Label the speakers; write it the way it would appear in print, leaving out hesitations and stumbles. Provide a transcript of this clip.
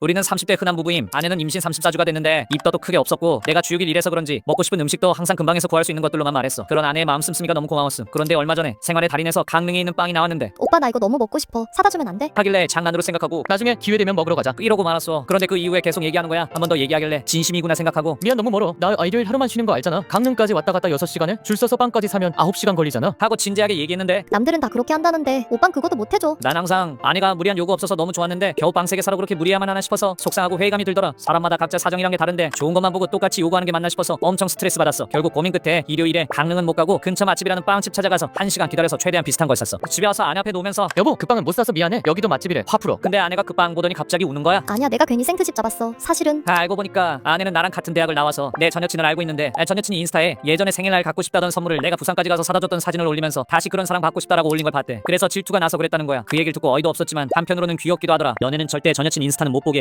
Speaker 1: 우리는 30대 흔한 부부임. 아내는 임신 34주가 됐는데 입덧도 크게 없었고 내가 주육일 일해서 그런지 먹고 싶은 음식도 항상 금방에서 구할 수 있는 것들로만 말했어. 그런 아내의 마음 씀씀이가 너무 고마웠음. 그런데 얼마 전에 생활의 달인에서 강릉에 있는 빵이 나왔는데
Speaker 2: 오빠 나 이거 너무 먹고 싶어. 사다 주면 안 돼?
Speaker 1: 하길래 장난으로 생각하고
Speaker 3: 나중에 기회 되면 먹으러 가자.
Speaker 1: 이러고 말았어. 그런데 그 이후에 계속 얘기하는 거야. 한 번 더 얘기하길래 진심이구나 생각하고
Speaker 3: 미안 너무 멀어. 나 일요일 하루만 쉬는 거 알잖아. 강릉까지 왔다 갔다 6시간에 줄 서서 빵까지 사면 9시간 걸리잖아.
Speaker 1: 하고 진지하게 얘기했는데
Speaker 2: 남들은 다 그렇게 한다는데 오빤 그것도 못 해줘.
Speaker 1: 난 항상 아내가 무리한 요구 없어서 너무 좋았는데 겨우 빵 3개 사러 그렇게 무리해야만 하나 싶어서 속상하고 회의감이 들더라. 사람마다 각자 사정이란 게 다른데 좋은 것만 보고 똑같이 요구하는 게 맞나 싶어서 엄청 스트레스 받았어. 결국 고민 끝에 일요일에 강릉은 못 가고 근처 맛집이라는 빵집 찾아가서 1시간 기다려서 최대한 비슷한 걸 샀어. 집에 와서 아내 앞에 놓으면서
Speaker 3: 여보 그 빵은 못 사서 미안해. 여기도 맛집이래. 화 풀어.
Speaker 1: 근데 아내가 그 빵 보더니 갑자기 우는 거야.
Speaker 2: 아니야 내가 괜히 생트집 잡았어. 사실은
Speaker 1: 알고 보니까 아내는 나랑 같은 대학을 나와서 내 전 여친을 알고 있는데 전 여친이 인스타에 예전에 생일날 갖고 싶다던 선물을 내가 부산까지 가서 사다 줬던 사진을 올리면서 다시 그런 사랑 받고 싶다라고 올린 걸 봤대. 그래서 질투가 나서 그랬다는 거야. 그 얘기를 듣고 어이도 없었지만 한편으로는 귀엽기도 하더라. 연애는 절대 전 여친 인스타는 못 보게